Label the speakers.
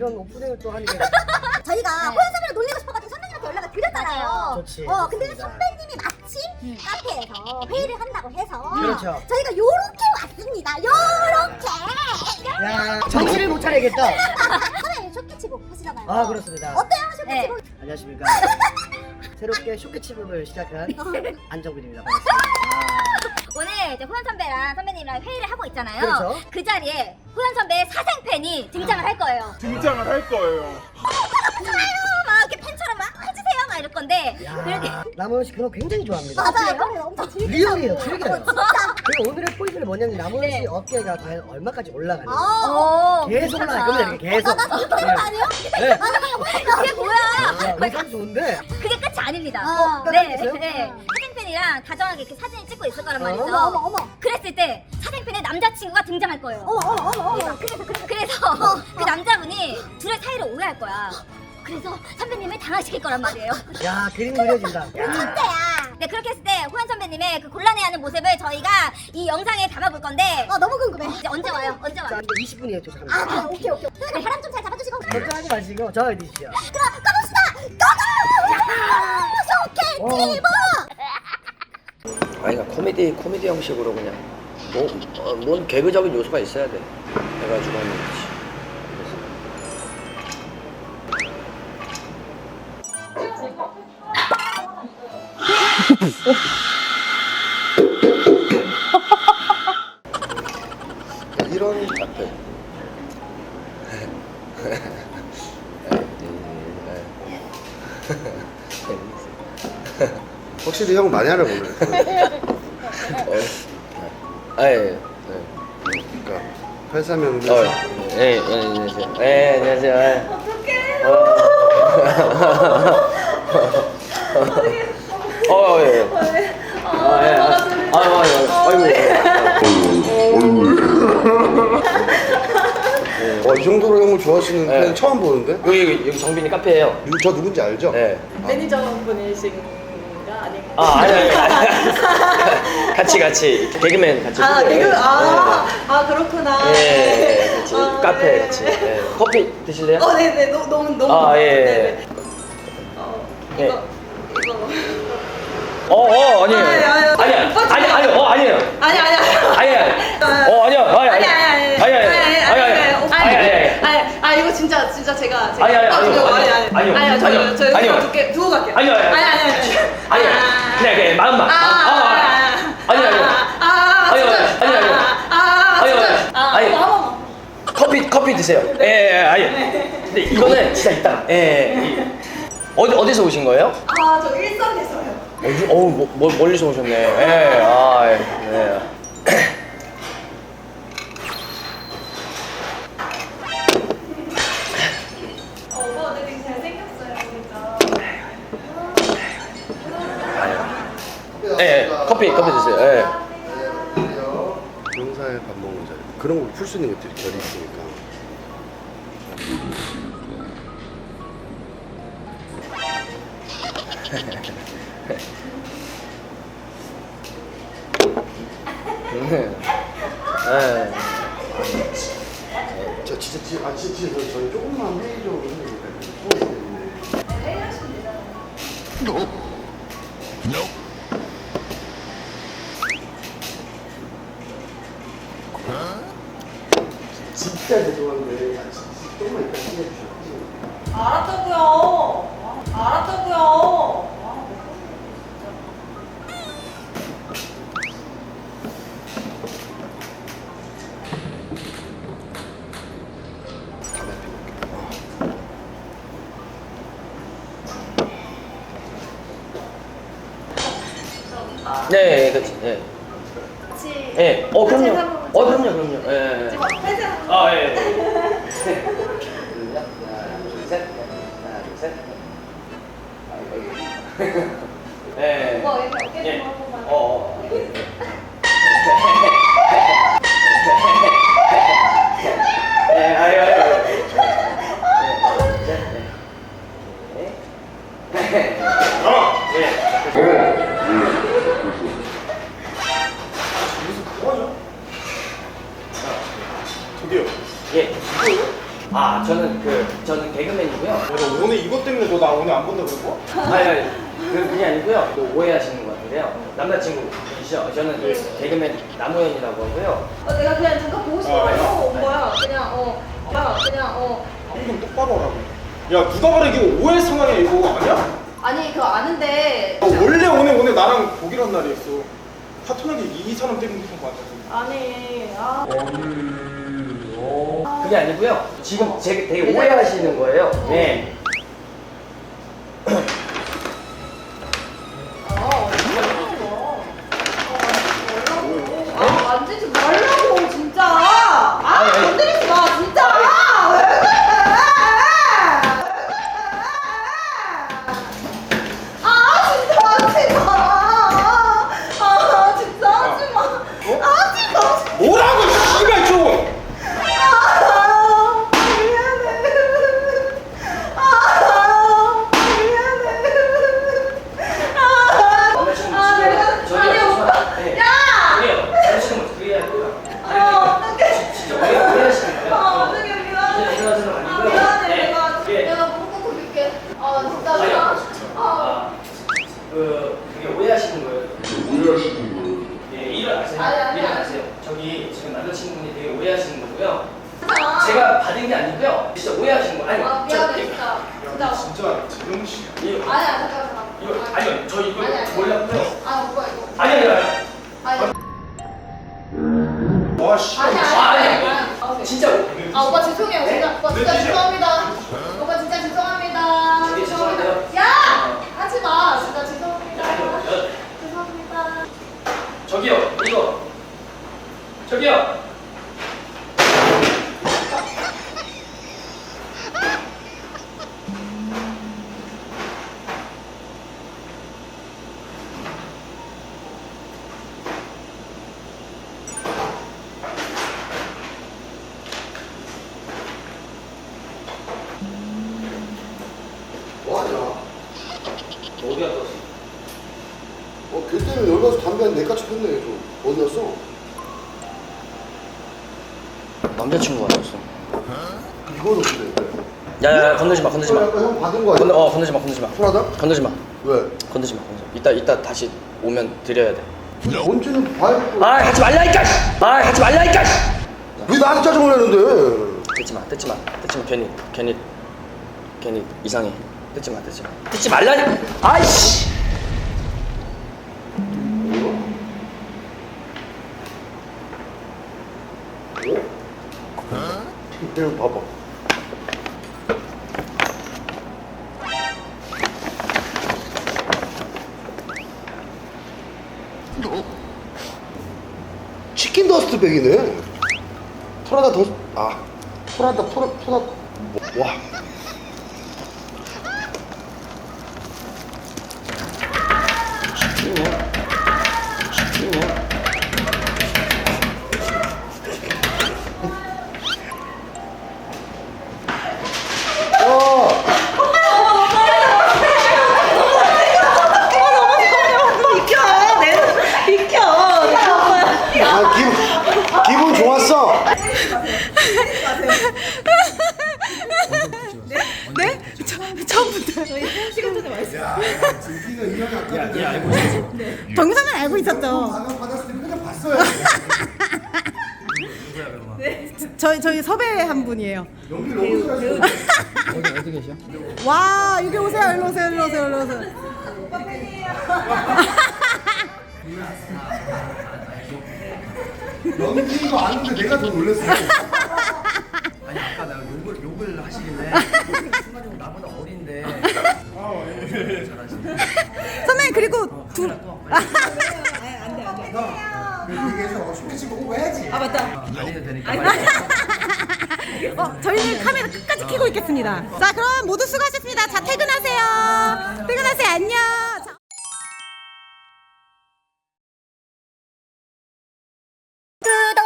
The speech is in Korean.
Speaker 1: 이런 오프닝을 또 하는 게
Speaker 2: 저희가 호연 선배를 놀리고 싶어가지고 선배님한테 연락을 드렸잖아요.
Speaker 1: 좋지.
Speaker 2: 근데
Speaker 1: 좋습니다.
Speaker 2: 선배님이 마침 카페에서 회의를 한다고 해서
Speaker 1: 그렇죠.
Speaker 2: 저희가 요렇게 왔습니다. 요렇게.
Speaker 1: 야, 정신을 못 차리겠다.
Speaker 2: 선배님 쇼케치북 하시잖아요.
Speaker 1: 아, 그렇습니다.
Speaker 2: 어때요 쇼케치북?
Speaker 1: 안녕하십니까. 새롭게 쇼케치북을 시작한 안정빈입니다. 반갑습니다.
Speaker 3: 오늘 이제 호연 선배랑 선배님이랑 회의를 하고 있잖아요.
Speaker 1: 그렇죠.
Speaker 3: 그 자리에 호연 선배 사생팬이 등장을 할 거예요.
Speaker 4: 등장을 할 거예요.
Speaker 3: 막 이렇게 팬처럼 막 해주세요 막 이럴 건데 그렇게
Speaker 1: 야, 남은 씨 그런 거 굉장히 좋아합니다.
Speaker 2: 맞아요. 그래요? 엄청 즐기고.
Speaker 1: 리얼이에요, 즐겨요.
Speaker 2: 진짜.
Speaker 1: 그리고 오늘의 포인트는 뭐냐면 남은 씨
Speaker 3: 네.
Speaker 1: 어깨가 과연 얼마까지 올라가는지.
Speaker 3: 오,
Speaker 1: 계속 올라갈 겁니다, 이렇게 계속.
Speaker 2: 나 이렇게 하는 거 아니에요?
Speaker 1: 네.
Speaker 3: 그게 뭐야?
Speaker 1: 아, 의상 좋은데.
Speaker 3: 그게 끝이 아닙니다.
Speaker 1: 끝이
Speaker 3: 네,
Speaker 1: 있어요?
Speaker 3: 네. 사생팬이랑 다정하게 이렇게 사진을 찍고 있을 거란 말이죠.
Speaker 2: 어머.
Speaker 3: 그랬을 때 사생팬의 남자친구가 등장할 거예요.
Speaker 2: 어머.
Speaker 3: 그래서 그 남자분이 둘의 사이를 오해할 거야. 그래서 선배님을 당황시킬 거란 말이에요.
Speaker 1: 야, 그림 그려진다. 야.
Speaker 2: 천재야.
Speaker 3: 네, 그렇게 했을 때 호연 선배님의 그 곤란해하는 모습을 저희가 이 영상에 담아볼 건데
Speaker 2: 너무 궁금해.
Speaker 3: 이제 언제 와요? 언제
Speaker 1: 자,
Speaker 3: 와요?
Speaker 1: 이제 20분이에요, 도착합니다.
Speaker 2: 아, 그래. 오케이. 선배님 바람 좀 잘 잡아주시고.
Speaker 1: 걱정하지 마시고 저어 드시죠.
Speaker 2: 그럼 가봅시다. 고고! 쇼케치북.
Speaker 5: 아니 그러니까 코미디 형식으로 그냥 뭔 개그적인 요소가 있어야 돼. 해가지고 하는 거지. 이런 앞에
Speaker 6: 확실히 형 많이 알아보네.
Speaker 5: 예.
Speaker 6: 그러니까 83년
Speaker 5: 안녕하세요. 안녕하세요.
Speaker 6: 이 정도로 형을 좋아하시는
Speaker 5: 네.
Speaker 6: 팬 처음 보는데?
Speaker 5: 여기 정빈이 카페예요.
Speaker 6: 저 누군지 알죠?
Speaker 5: 네.
Speaker 7: 매니저분이신가 아닌가?
Speaker 5: 아니. 같이 개그맨 같이.
Speaker 7: 아,
Speaker 5: 보고요.
Speaker 7: 개그?
Speaker 5: 네.
Speaker 7: 그렇구나.
Speaker 5: 네, 같이 카페
Speaker 7: 네.
Speaker 5: 같이. 네. 커피 드실래요?
Speaker 7: 네네, 너무.
Speaker 5: 아, 예.
Speaker 7: 네네.
Speaker 5: 네.
Speaker 7: 이거.
Speaker 5: 아니에요. 아니에요. 아니에요.
Speaker 7: 아니야. 이거 진짜 제가.
Speaker 5: 아니요.
Speaker 7: 저 두고 갈게요.
Speaker 5: 아니요. 그냥 마음만. 커피 드세요. 근데 이거는 진짜 이따. 어디서 오신 거예요?
Speaker 7: 저 일산에서요.
Speaker 5: 멀리서 오셨네. 네.
Speaker 7: 오빠 근데 되게 잘생겼어요, 진짜.
Speaker 5: 커피 드세요.
Speaker 6: 용사에 밥 먹는 자리. 그런 걸 풀 수 있는 것들이 결이 있으니까. 진짜 저희 조금만 회의적으로 해도 될까요? 진짜 죄송한데 조금만 이따 시켜주셔.
Speaker 7: 알았다고요.
Speaker 5: 네, 그렇지. 네.
Speaker 7: 같이.
Speaker 5: 그럼요. 그럼요. 예.
Speaker 7: 회사.
Speaker 5: 둘, 셋. 네.
Speaker 7: 오빠 여기 어깨 좀 한 번만.
Speaker 6: 저기요.
Speaker 5: 예. 저는 개그맨이고요.
Speaker 4: 오늘 이것 때문에 너 나 오늘 안 본다 그러고?
Speaker 5: 아니, 그게 아니고요. 또 오해하시는 것 같은데요. 남자친구이시죠? 저는 개그맨 남우현이라고 하고요.
Speaker 7: 내가 그냥 잠깐 보고 싶어서 온 거야.
Speaker 4: 좀 똑바로 하라고. 야 누가 봐도 이게 오해 상황이야 이거 아니야?
Speaker 7: 아니 그거 아는데.
Speaker 4: 원래 오늘 나랑 보기로 한 날이었어. 파토나게 이 사람 때문에 그런 거 같아.
Speaker 7: 아니
Speaker 5: 그게 아니고요. 지금 되게 오해하시는 거예요. 네.
Speaker 7: 만지지 말라고 진짜. 건드리지 마 진짜. 왜 그래? 진짜 하지 마. 진짜 하지 마. 하지 마.
Speaker 4: 뭐라고 씨발 좀!
Speaker 5: 그게 오해하시는 거예요. 예, 일어나세요. 저기 지금 남자친구분이 되게 오해하시는 거고요. 제가 받은 게 아니고요. 진짜 오해하시는 거. 아니,
Speaker 7: 미안해 진짜.
Speaker 4: 진짜 재영 씨.
Speaker 5: 이거
Speaker 7: 아니야 잠깐만.
Speaker 5: 아니요, 저 이거
Speaker 7: 아니야.
Speaker 5: 몰랐고요.
Speaker 7: 오빠 이거.
Speaker 5: 아니요.
Speaker 4: 와 씨.
Speaker 7: 아니야.
Speaker 5: 진짜
Speaker 7: 오빠 죄송해요. 진짜. 오빠 진짜 죄송합니다. 오빠 진짜 죄송합니다.
Speaker 5: 되게 죄송한데요.
Speaker 7: 야! 하지 마. 진짜 죄송합니다.
Speaker 5: 아니요.
Speaker 7: 죄송합니다.
Speaker 5: 저기요, 이거. 저기요.
Speaker 6: 뭐하냐?
Speaker 5: 어디 갔다 왔어?
Speaker 6: 걔 때문에 여기 가서 담배 한 4까치 폈네. 저 어디 갔어?
Speaker 5: 남자친구가 왔어.
Speaker 6: 이거는 근데
Speaker 5: 야야야, 건들지 마.
Speaker 6: 아까 형 받은 거 아니야?
Speaker 5: 건들지 마.
Speaker 6: 불하다?
Speaker 5: 건들지 마.
Speaker 6: 왜?
Speaker 5: 건들지 마. 이따 다시 오면 드려야 돼.
Speaker 6: 뭔지는 봐야겠고.
Speaker 5: 하지 말라니까! 하지 말라니까!
Speaker 6: 왜 나한테 짜증을 내는데?
Speaker 5: 뜯지 마. 괜히 이상해. 뜯지 마. 뜯지 말라니. 아이씨.
Speaker 6: 이거 봐봐. 치킨 더스트 백이네. 프라다 더, 프라다. 와. 치킨이야. 기분 좋았어.
Speaker 8: 네? 처음부터. 정상은 알고 있었죠.
Speaker 6: 받았을 때 표정 봤어요.
Speaker 8: 저희 섭외 한 분이에요.
Speaker 6: 연기 너무 잘하시네.
Speaker 5: 어디 계셔?
Speaker 8: 와, 여기 오세요. 일로 오세요.
Speaker 7: 오빠 팬이에요.
Speaker 6: 연기인 거 아는데 내가 더 놀랐어.
Speaker 5: 아니 아까 내가 욕을 하시길래 순간적으로 나보다 어린데 잘하시네.
Speaker 8: 선배님 그리고 둘.
Speaker 6: 얘기해서 쇼케치 보고 해야지.
Speaker 8: 맞다.
Speaker 5: 안 해도 되니까
Speaker 8: 저희는 카메라 끝까지 켜고 있겠습니다. 자, 그럼 모두 수고하셨습니다. 자, 퇴근하세요. 안녕. 자.